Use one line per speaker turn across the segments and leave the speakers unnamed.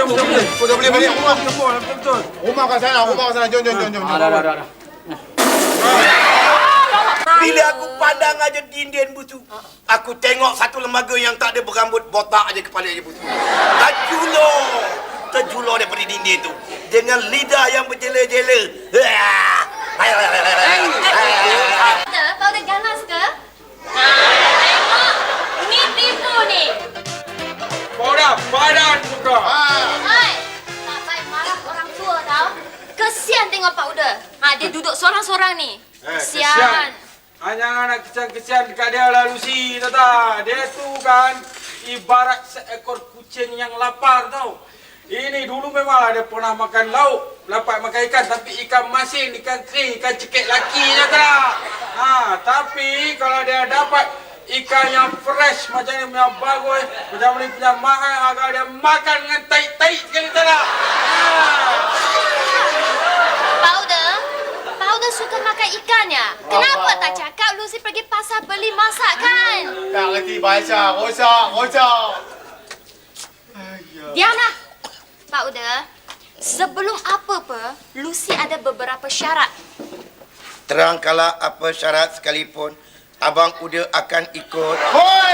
Dah boleh balik rumah. Betul. Rumah kat sana, Jom.
Dah.
Bila aku pandang aja dinding busu, aku tengok satu lembaga yang tak ada berambut, botak aja kepala aja busu. Terjulur daripada dinding tu dengan lidah yang berjela-jela.
Kau dah ganas ke? Tengok. Ni tipu ni.
Padan muka.
Hai. Tak baik marah orang tua tau. Kesian tengok Pak Uda. Dia duduk sorang-sorang ni. Kesian.
Hanya anak kesian dekat dia lah Lucy, Tata. Dia tu kan ibarat seekor kucing yang lapar tau. Ini dulu memanglah dia pernah makan lauk, dapat makan ikan, tapi ikan masin, ikan kering, ikan cekik laki je tak. Tapi kalau dia dapat ikan yang fresh macam ni punya bagus, macam ni punya mahal, agak dia makan dengan taik-taik sekali tak.
Pak Uda suka makan ikannya. Kenapa tak cakap Lucy pergi pasar beli masakan?
Tak ngerti bahasa. Rosak.
Diamlah. Pak Uda, sebelum apa-apa, Lucy ada beberapa syarat.
Terangkalah apa syarat sekalipun, Abang Uda akan ikut.
Hoi!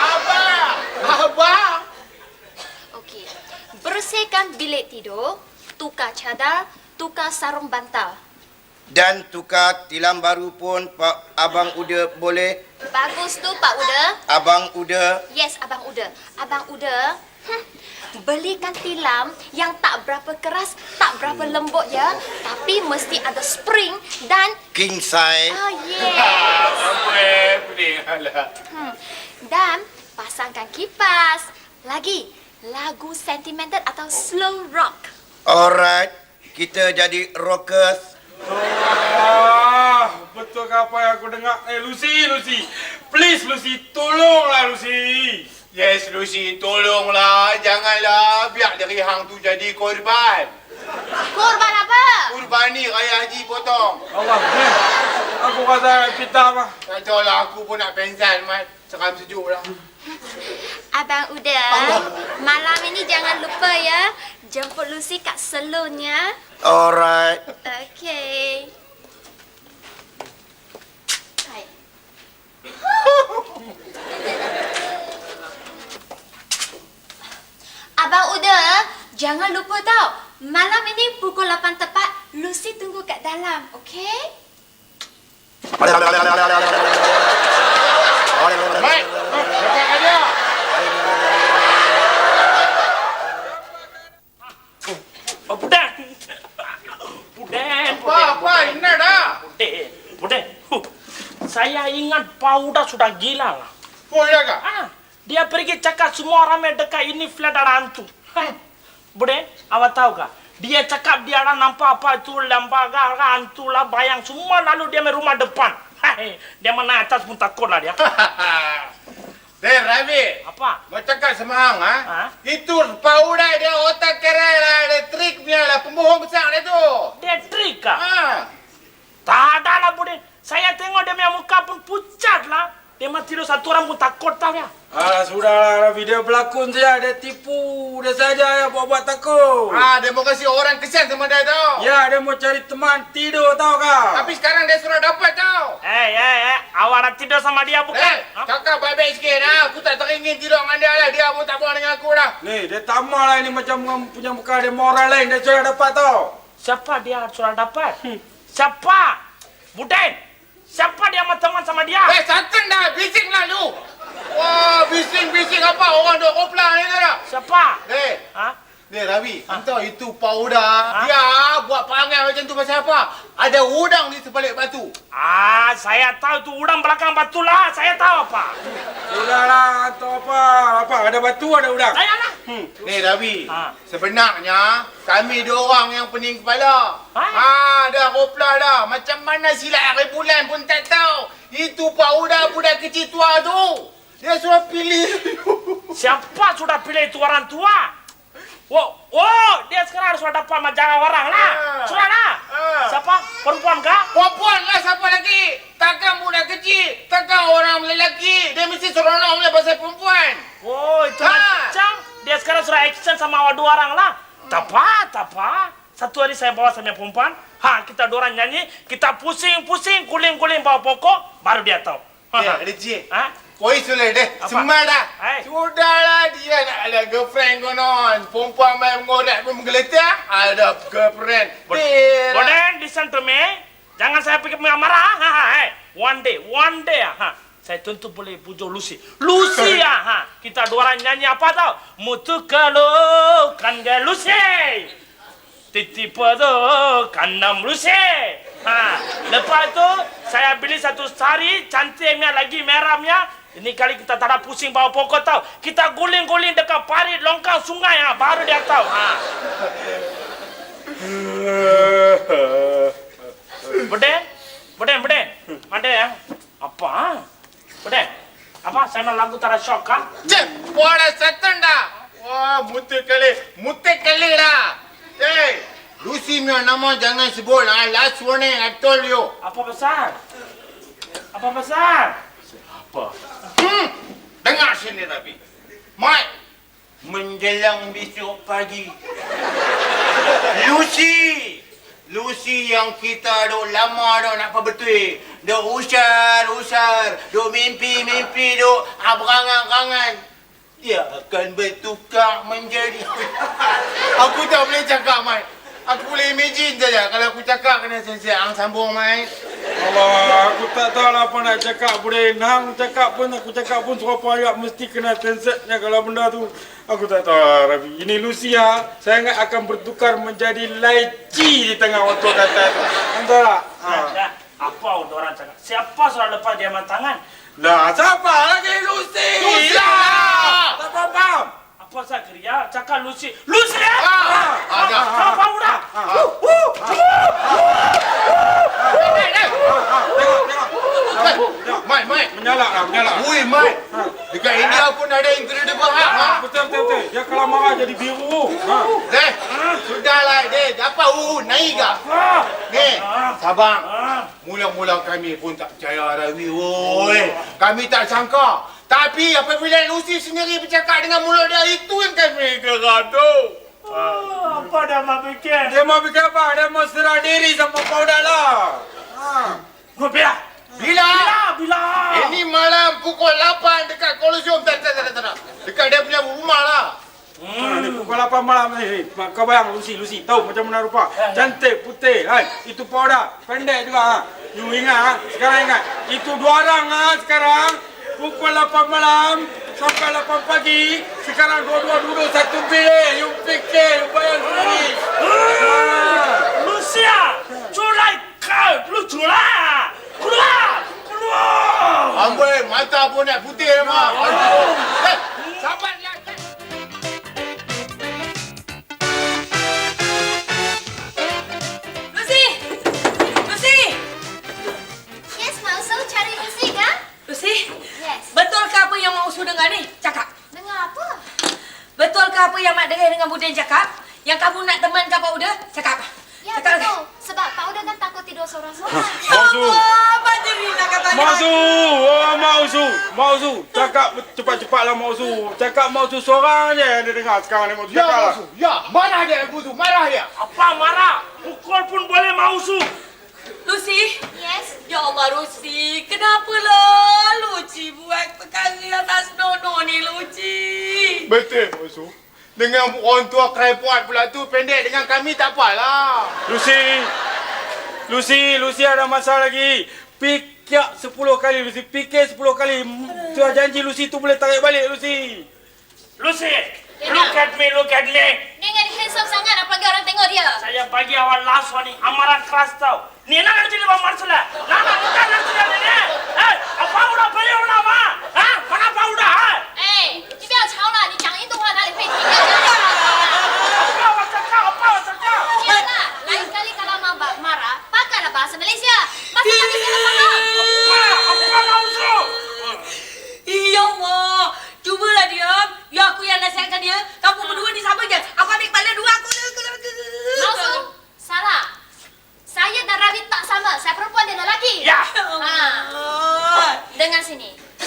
Abang!
Okey. Bersihkan bilik tidur, tukar cadar, tukar sarung bantal.
Dan tukar tilam baru pun Abang Uda boleh.
Bagus tu Pak Uda.
Abang Uda.
Yes, Abang Uda. Abang Uda, belikan tilam yang tak berapa keras, tak berapa lembut ya. Tapi mesti ada spring dan...
King size.
Yes.
Pening alah.
Dan pasangkan kipas. Lagi, lagu sentimental atau slow rock.
Alright. Kita jadi rockers.
Betul ke apa yang aku dengar? Lucy. Please, Lucy. Tolonglah, Lucy.
Yes, Lucy, tolonglah. Janganlah biar dari hang tu jadi korban.
Korban apa?
Kurban ni Raya Haji potong.
Allah, aku rasa pita mah.
Tak tahu lah, aku pun nak pensan, Mat. Seram sejuk lah.
Abang Uda, malam ini jangan lupa ya, jemput Lucy kat salonnya.
Alright.
Okey. Hai. Abang Uda, jangan lupa tau, malam ini pukul 8 tepat, Lucy tunggu kat dalam, okey?
Mat! Dekat aja! Apa? Ingat dah?
Bude. Saya ingat Pauda sudah gila lah.
Oh, iya kak?
Dia pergi cakap semua ramai dekat ini flat ada hantu. Bude, awak tahu kah? Dia cakap dia ada nampak apa itu lembaga hantu lah, bayang semua, lalu dia main rumah depan. Dia mana atas pun takut lah dia.
Rabi.
Apa?
Mau cakap sama hang, Itu Pauda dia otak kerai lah, dia trik punya lah, pembohong besar dia tu.
Dia trik kah? Tak ada lah Bude. Saya tengok dia punya muka pun pucat lah. Dia mah tidur satu orang pun takut tau ya.
Sudahlah, Rafi. Dia pelakon saja. Dia tipu. Dia saja yang buat-buat takut.
Dia mau kasih orang kesian sama dia tau.
Ya, dia mau cari teman tidur tau kau.
Tapi sekarang dia sudah dapat tau.
Awak nak tidur sama dia bukan?
Kakak baik-baik sikit Aku tak teringin tidur dengan dia lah. Dia pun tak boleh dengan aku dah.
Ni, dia tamak lah ini macam punya muka dia moral lain. Dia sudah dapat tau.
Siapa dia sudah dapat? Siapa? Bude. Siapa dia sama teman sama dia?
Santan dah. Bising lah lu. Wah, bising apa? Orang duk kopla ni dah.
Siapa?
Ni Rabi, entah itu Pauda. Dia buat perangai macam tu pasal apa? Ada udang di sebalik batu.
Saya tahu tu udang belakang batu lah. Saya tahu apa.
Sudahlah, atau apa? Apa? Ada batu, ada udang?
Saya lah.
Ni Rabi, sebenarnya kami dua orang yang pening kepala. Dah kopla dah. Macam mana silat hari bulan pun tak tahu. Itu Pauda budak kecil tua tu. Dia sudah pilih.
Siapa sudah pilih itu orang tua? Dia sekarang sudah dapat majalah orang lah. Sudah lah. Siapa? Perempuan kah?
Perempuan lah, siapa lagi? Takkan budak kecil, takkan orang lelaki. Dia mesti seronok punya pasal perempuan.
Itu macam dia sekarang suruh action sama awak 2 orang lah. Tak apa. Satu hari saya bawa sama perempuan. Kita 2 orang nyanyi. Kita pusing-pusing, guling-guling bawah pokok. Baru dia tahu.
Leceh. Kau sudah deh. Semua dah. Sudahlah dia nak ada girlfriend konon. Perempuan main mengorek pun menggeletar. Ada girlfriend.
Boden, listen to me. Jangan saya pikir marah. One day. Saya tentu boleh pujuk Lucy. Lucy kita 2 orang nyanyi apa tau? Mutu kalau kan gak Lucy. Titi pada kanam Lucy. Lepas tu saya beli satu sari cantiknya lagi merahnya. Ini kali kita tak ada pusing bawa pokok tau. Kita guling-guling dekat parit longkang sungai baru dia tahu. Buden. Ada ya? Apa? Buden. Apa? Saya nak lagu tara shock kah?
Cep, wala setan dah. Wah, mutek kali dah. Hey, Lucy punya nama jangan sebut. Last warning, I told you.
Apa besar?
Dengar sini tapi. Mai, menjelang besok pagi. Lucy yang kita dok lama dok nak apa betul. Dok usar, dok mimpi, dok berangan-angan. Dia akan bertukar menjadi. Aku tak boleh cakap, Mai. Aku boleh imagine saja kalau aku cakap kena siang sambung, Mai.
Allah, aku tak tahu lah apa nak cakap, Buden. Hang cakap pun, aku cakap pun suruh ayat mesti kena tensetnya kalau benda tu. Aku tak tahu, Rabi. Ini Lucy saya ingat akan bertukar menjadi laici di tengah waktu kata tu. Entah tak?
Apa orang cakap? Siapa suruh lepas dia tangan?
Lah, siapa lagi Lucy? Tak faham.
Apa saya kerja? Cakap Lucy. Lucy!
Ada.
Apa udah?
Tengok.
Mai.
Menyalak.
Wui, Mai. Dekat India pun ada incredible
Betul. Dia kalau marah jadi biru.
Deh, sudahlah, Deh. Apa naik ke? Ni, sabar. Mula-mula kami pun tak percaya, Rawi. Woi, kami tak sangka. Tapi apabila Lucy sendiri bercakap dengan mulut dia, itu yang kami gaduh.
Apa dah mau fikir?
Dia mau bikin apa? Dia mau serah diri sama kau dah lah.
Bila?
Ini malam pukul 8 dekat Colosseum. Tak. Dekat dia punya rumah lah.
Ni pukul 8 malam ni. Kau bayang Lucy. Tahu macam mana rupa? Cantik, putih. Itu powder. Pendek juga. You ingat sekarang ingat. Itu 2 orang sekarang. Pukul 8 malam sampai 8 pagi. Sekarang dua-dua duduk satu bilik. You fikir, you bayang sendiri.
Lucia, culai kau. Lu culai. Keluar.
Amboi, mata pun nak putih memang. Sabarlah.
Lucy!
Yes, Mausu, cari Lucy kan?
Lucy?
Yes.
Betulkah apa yang Mausu dengar ni? Cakap.
Dengar apa?
Betulkah apa yang Mak dengar dengan Buden cakap? Yang kamu nak temankan Pak Uda? Cakap.
Ya,
Cakap
betul. Sebab Pak Uda kan takut tidur seorang-seorang.
Mausu.
Apa Jerina katanya?
Mausu. Cakap cepat-cepatlah Mausu. Cakap Mausu seorang je yang dia dengar sekarang ni. Mausu
Ya,
cakap lah.
Mausu. Ya, marah dia aku tu. Marah dia.
Apa marah? Pukul pun boleh Mausu.
Lucy?
Yes.
Ya Allah, Lucy. Kenapalah Lucy buat perkara atas nono ni, Lucy?
Betul, Mausu. Dengan orang tua kerepot pula tu pendek dengan kami tak apalah.
Lucy ada masalah lagi. Fikir 10 kali, Lucy. Fikir 10 kali. Tuan janji Lucy tu boleh tarik balik, Lucy.
Lucy, look at me.
Dia kan handsome sangat apalagi orang tengok dia.
Saya bagi awak last warning, amaran keras tau. Ni nak jadi bang Marsala. Nak bukan nak jadi ni. Apa udah beli udah apa? Mana apa udah?
哎，你不要吵了，你讲印度话哪里会听啊？
Apa awak cakap?
天啦，lain kali kalau mau marah, pakailah bahasa Malaysia. Bahasa Malaysia nak faham.
Apa Mausu?
Ya Allah. Cubalah diam. Ya aku yang nasihatkan dia. Kamu berdua ni sama je. Aku ambil kepala dua aku.
Mausu, salah. Saya dan Ravi tak sama. Saya perempuan, dia lelaki.
Ya.
Dengar sini.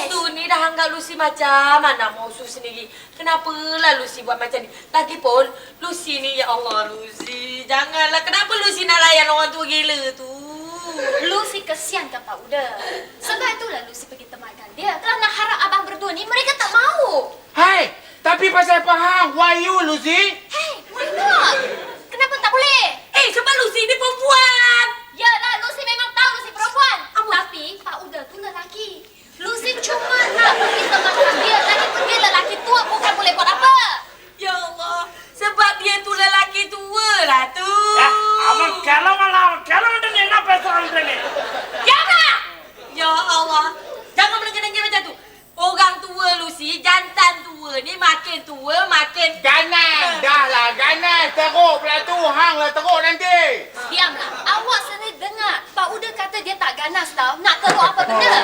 Mausu ni dah anggap Lucy macam mana Mausu sendiri. Kenapalah Lucy buat macam ni? Lagipun Lucy ni, ya Allah Lucy, janganlah. Kenapa Lucy nak layan orang tua gila tu?
Lucy kesian kan Pak Uda. Sebab itulah Lucy pergi temankan dia. Kalau nak harap abang berdua ni, mereka tak mau.
Hai, tapi pasal faham, why you, Lucy?
Hey, why not? Kenapa tak boleh?
Sebab Lucy ni perempuan.
Yalah, Lucy memang tahu Lucy perempuan. Tapi Pak Uda tu lelaki. Lucy cuma nak pergi temankan dia. Lagipun dia lelaki tua, bukan boleh buat apa.
Ya Allah, sebab dia tu lelaki tua lah tu.
Abang kalau ada ni nak pesan ni.
Ya Allah, jangan melengkeng-lengkeng macam tu. Orang tua Lucy, jantan tua ni makin tua makin
Ganas, dah lah ganas. Teruk pula tu, hang lah teruk nanti.
Diamlah. Awak sendiri dengar. Pak Uda kata dia tak ganas tau. Nak teruk apa benda?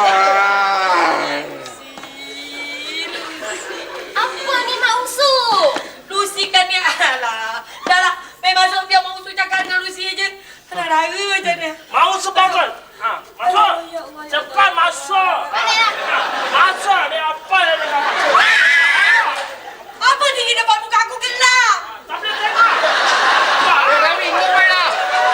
Apa ni Mak Usu?
Lucy kan ni, alah. Dah lah, memang Sofia mau usul cakap dengan Lucy je. Rara macam ni.
Mau sebagai. Masuk. Cepat masuk.
Baliklah.
Masuk. Dia apa dia nak masuk?
Apa ni depan muka aku gelap?
Tak boleh tengok.
Rami, ngomong lah.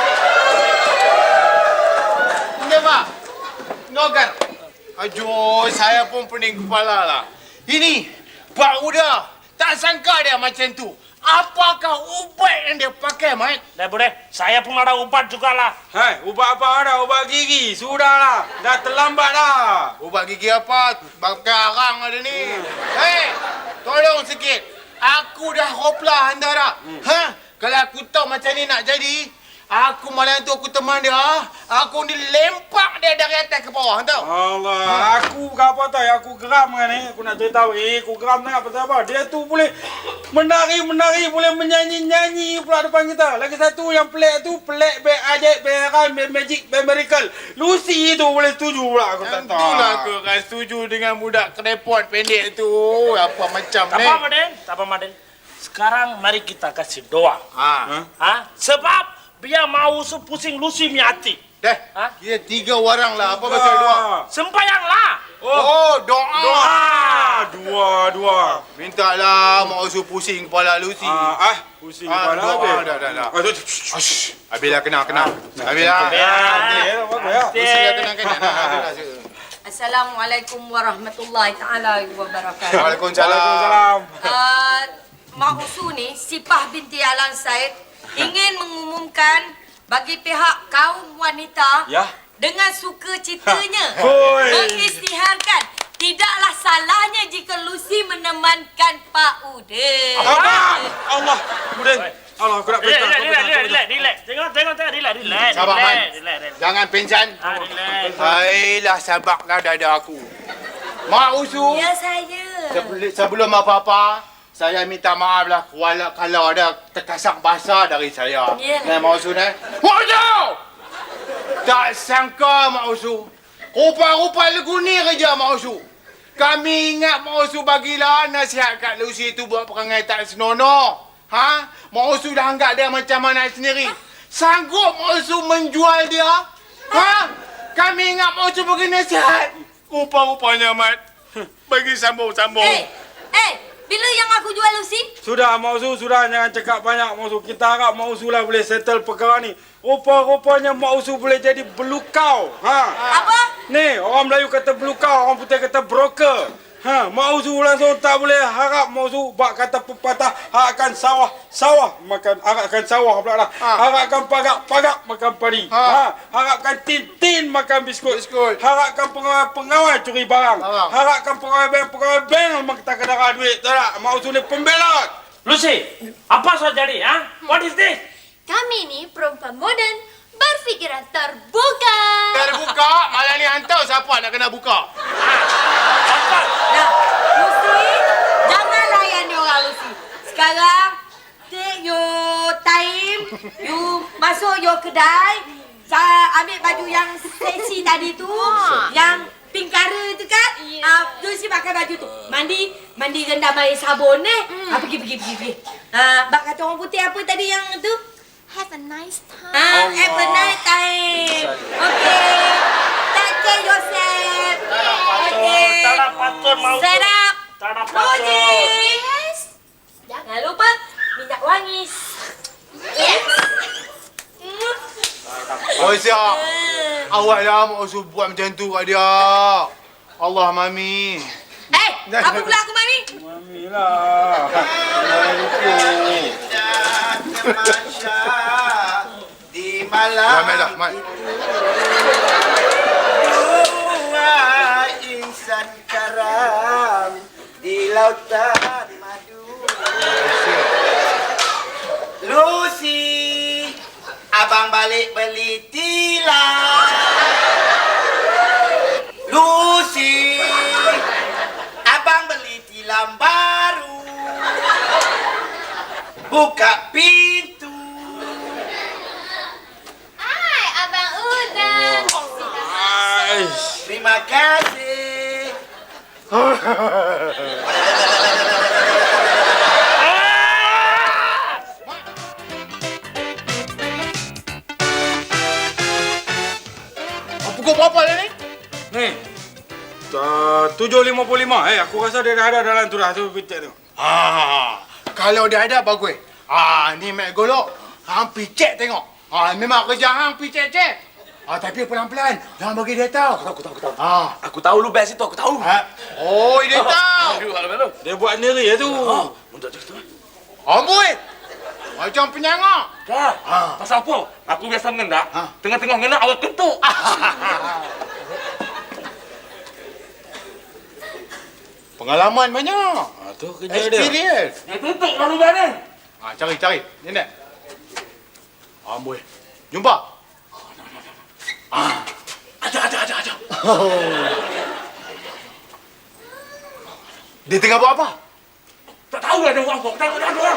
Ini Pak, Nogar. Aduh, saya pun pening kepala lah. Ini, Pak Uda, tak sangka dia macam tu. Apakah ubat yang dia pakai, Mat?
Dah boleh. Saya pun ada ubat jugalah.
Hai, ubat apa ada? Ubat gigi. Sudahlah. Dah terlambat dah.
Ubat gigi apa? Pakai arang ada ni. Hei, tolong sikit. Aku dah hoplah antara. Kalau aku tahu macam ni nak jadi, aku malam tu aku teman dia. Aku dilempak dia dari atas ke bawah, tahu?
Allah, aku apa tahu? Aku geram kan ni. Aku nak cerita. Aku geram sangat pasal apa? Dia tu boleh menari, boleh menyanyi pula depan kita. Lagi satu yang pelik tu, pelik, ajaib, beran, magic, miracle. Lucy tu boleh setuju pula. Aku tak tahu.
Itulah aku akan setuju dengan budak knepot pendek tu. Apa macam
Tak
ni?
apa, Maden. Tak apa, Maden. Sekarang mari kita kasih doa. Sebab biar mau pusing Lucy punya hati.
Dah, kira 3 orang lah. Apa baca doa?
Sembayanglah.
Oh, doa.
Dua.
Minta lah Mak Usu pusing kepala Lucy.
Pusing kepala
doa,
habis.
dah. Habislah kena. Habislah. Lucy dah kena.
Assalamualaikum warahmatullahi taala wabarakatuh.
Waalaikumsalam.
Mak Usu ni, Sipah binti Alan Said ingin mengumumkan bagi pihak kaum wanita dengan sukacitanya mengisytiharkan tidaklah salahnya jika Lucy menemankan Pak Uda.
Allah, kemudian Allah, aku nak pergi.
Relax. Tengok, relax.
Sabar, Man. Jangan pensan.
Relax.
Hailah, sabarlah dada aku. Mak Usu,
Ya saya.
sebelum apa-apa, saya minta maaf lah kalau ada terkasak bahasa dari saya.
Ya.
Mak Usu ni. Mak Usu! Tak sangka Mak Usu. Rupa-rupa lagu ni kerja Mak Usu. Kami ingat Mak Usu bagilah nasihat kat Lucy tu buat perangai tak senonoh. Mak Usu dah anggap dia macam anak sendiri. Sanggup Mak Usu menjual dia? Kami ingat Mak Usu bagi nasihat. Rupa-rupanya, Mat. Bagi sambung-sambung.
Bila yang aku jual Lucy?
Sudah, Mak Usu, sudah. Jangan cakap banyak, Mak Usu. Kita harap Mak Usu lah boleh settle perkara ni. Rupa-rupanya Mak Usu boleh jadi belukau.
Apa?
Ni, orang Melayu kata belukau, orang putih kata broker. Mak Usu langsung tak boleh harap Mak Usu bak kata pepatah harapkan sawah makan harapkan sawah pula lah. Harapkan pagak makan padi. Harapkan tin makan biskut. Harapkan pengawal curi barang. Harapkan pegawai bank memang kita kena duit. Tak tak? Mak Usu ni pembelot.
Lucy, apa soal jadi? What is this?
Kami ni perempuan moden, berfikiran terbuka.
Terbuka, malam ni hantar siapa nak kena buka?
Dah, Lucy, jangan layan dia orang Lucy. Sekarang, take your time, you masuk your kedai, ambil baju yang seksi tadi tu, yang pink color tu kan? Lucy pakai baju tu. Mandi rendam air sabun pergi. Bak kata orang putih apa tadi yang tu?
Have a nice time.
Have a nice time. Okay. Take care yourself. Okay.
Aisyah. Awak dah mau suruh buat macam tu kat dia. Allah, Mami.
Apa pula aku Mami?
Mami lah.
Di malam
Mat dah, Mat.
Dua insan karam di lautan madu. Lucy, abang balik beli tilam. Lucy, abang beli tilam baru. Buka pintu.
Hai, Abang Udang.
Terima kasih.
Pukul berapa dah ni?
Ni. 7.55. Aku rasa dia dah ada dalam tu dah. Tu pitik tu.
Kalau dia ada bagus. Ni Mat Golok. Hang picek tengok. Memang kerja hang picek-cek. Tapi pelan-pelan. Jangan bagi dia tahu.
Aku tahu.
Aku
Aku tahu lu best itu, aku tahu.
Oh, dia tahu.
Dia buat sendiri tu.
Mundur gitu.
Amboi. Macam penyangak.
Kak, pasal apa? Aku biasa mengendak. Tengah-tengah mengendak awak kentuk.
Pengalaman banyak.
Tu kerja dia.
Experience.
Dia tutup lalu mana?
Cari. Ni nak. Amboi. Jumpa. Ada. Dia tengah buat apa?
Tak tahu ada orang apa. Tengok ada orang.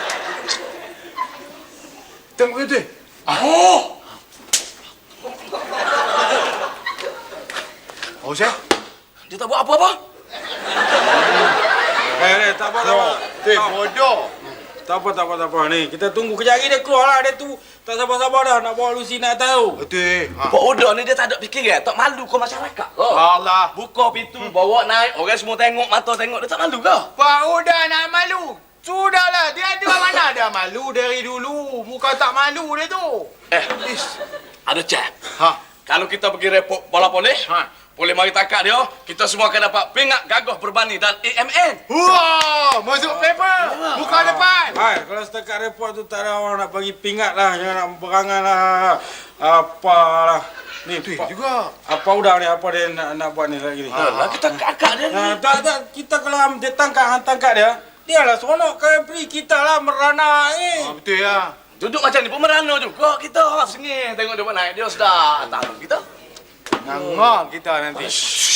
Tengok itu. Oh, saya?
Dia tak buat apa-apa.
Tak apa.
Bodoh.
Tak apa. Ni, kita tunggu kejap lagi dia keluar lah. Dia tu tak sabar-sabar dah nak bawa Lucy nak tahu.
Betul.
Pak Oda ni dia tak ada fikir tak malu ke masyarakat ke?
Allah.
Buka pintu, bawa naik, orang semua tengok, mata tengok, dia tak malu ke?
Pak Uda nak malu. Sudahlah, dia ada mana dah malu dari dulu. Muka tak malu dia tu.
Ada cek.
Ha.
Kalau kita pergi report bola polis, boleh mari tangkap dia, kita semua akan dapat pingat gagah berbani dan AMN.
Wah, masuk paper. Muka depan.
Hai, kalau setakat report tu tak ada orang nak bagi pingat lah. Jangan nak berangan lah. Apalah. Ni,
Betul juga.
apa udang ni? Apa dia nak buat ni lagi ni?
Alah, kita kakak dia ni.
Tak. Kita kalau dia tangkap dia, dia lah seronok kan beri kita lah merana
Betul ya.
Duduk macam ni pun merana juga kita. Sengih tengok dia naik, dia sudah tahu kita.
Ngangak kita nanti.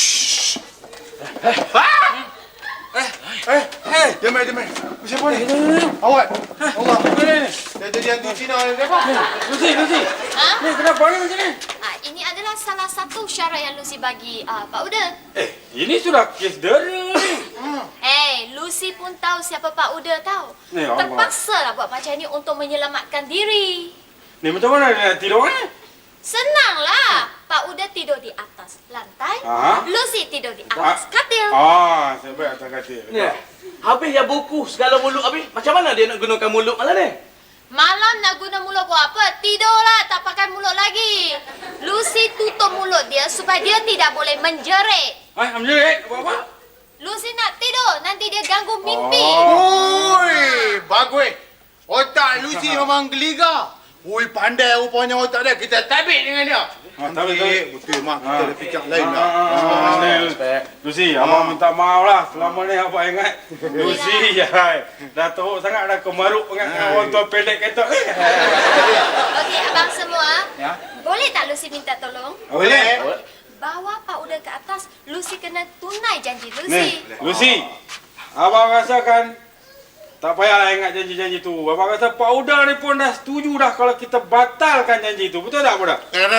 Demai. Siapa ni? Awak. Allah. Dia jadi hantu Cina ni. Siapa?
Lucy. Ni kenapa ni macam ni?
Ini adalah salah satu syarat yang Lucy bagi Pak Uda.
Ini sudah kes dera ni.
Lucy pun tahu siapa Pak Uda tahu.
Allah.
Terpaksalah buat macam ni untuk menyelamatkan diri.
Ni macam mana dia nak tidur ni?
Senanglah. Pak Uda tidur di atas lantai, Lucy tidur di atas katil.
Saya baik atas katil.
Ni, habis ya buku segala mulut habis. Macam mana dia nak gunakan mulut malam ni?
Malam nak guna mulut buat apa? Tidurlah, tak pakai mulut lagi. Lucy tutup mulut dia supaya dia tidak boleh menjerit.
Menjerit? Apa?
Lucy nak tidur, nanti dia ganggu mimpi.
Oi, bagus. Otak Lucy memang geliga. Oi, pandai rupanya otak dia. Kita tabik dengan dia. Betul, Mak. Kita ada fikir lain lah.
Lucy, abang minta maaf lah. Selama ni abang ingat Lucy dah teruk sangat dah kemaruk dengan orang tua pendek ketok ni.
Okey, abang semua. Boleh tak Lucy minta tolong?
Boleh.
Bawa Pak Uda ke atas, Lucy kena tunai janji
Ni,
Lucy.
Lucy. Abang rasakan tak payahlah ingat janji-janji tu. Abang rasa Pak Uda ni pun dah setuju dah kalau kita batalkan janji tu. Betul tak, Budak?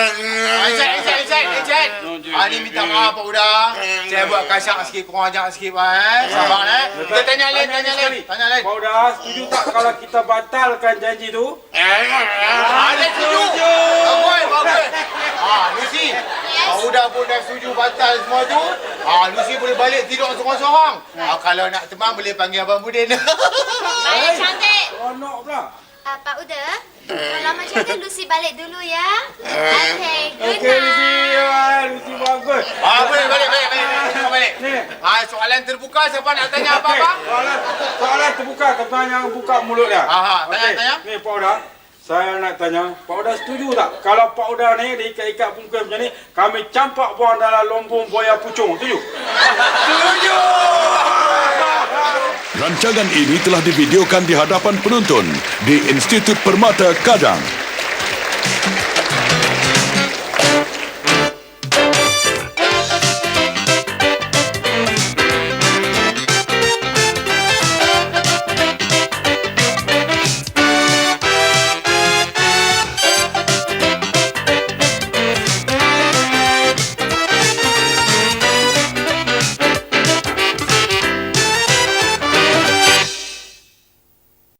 Encik. Ni minta maaf, Pak Uda. Saya buat kasar sikit, kurang ajar sikit, Sabar, Kita tanya lain.
Pak Uda, setuju tak kalau kita batalkan janji tu?
Ada setuju. Bagus. Lucy. Pak Uda pun dah setuju batal semua tu. Lucy boleh balik tidur seorang-seorang. Kalau nak teman boleh panggil Abang Budin.
Saya cantik.
Seronok pula.
Pak Uda, Kalau macam tu, Lucy balik dulu ya. Okay, good
Okey, Lucy.
night.
Lucy bagus.
Boleh, balik.
Ni.
Soalan terbuka, siapa nak tanya apa-apa?
Soalan terbuka. Tuan yang buka mulut dia.
Tanya.
Ni Pak Uda. Saya nak tanya, Pak Uda setuju tak? Kalau Pak Uda ni diikat-ikat bungkus macam ni, kami campak buang dalam lumbung buaya pucung. Setuju?
Setuju!
Rancangan ini telah divideokan di hadapan penonton di Institut Permata Kadang.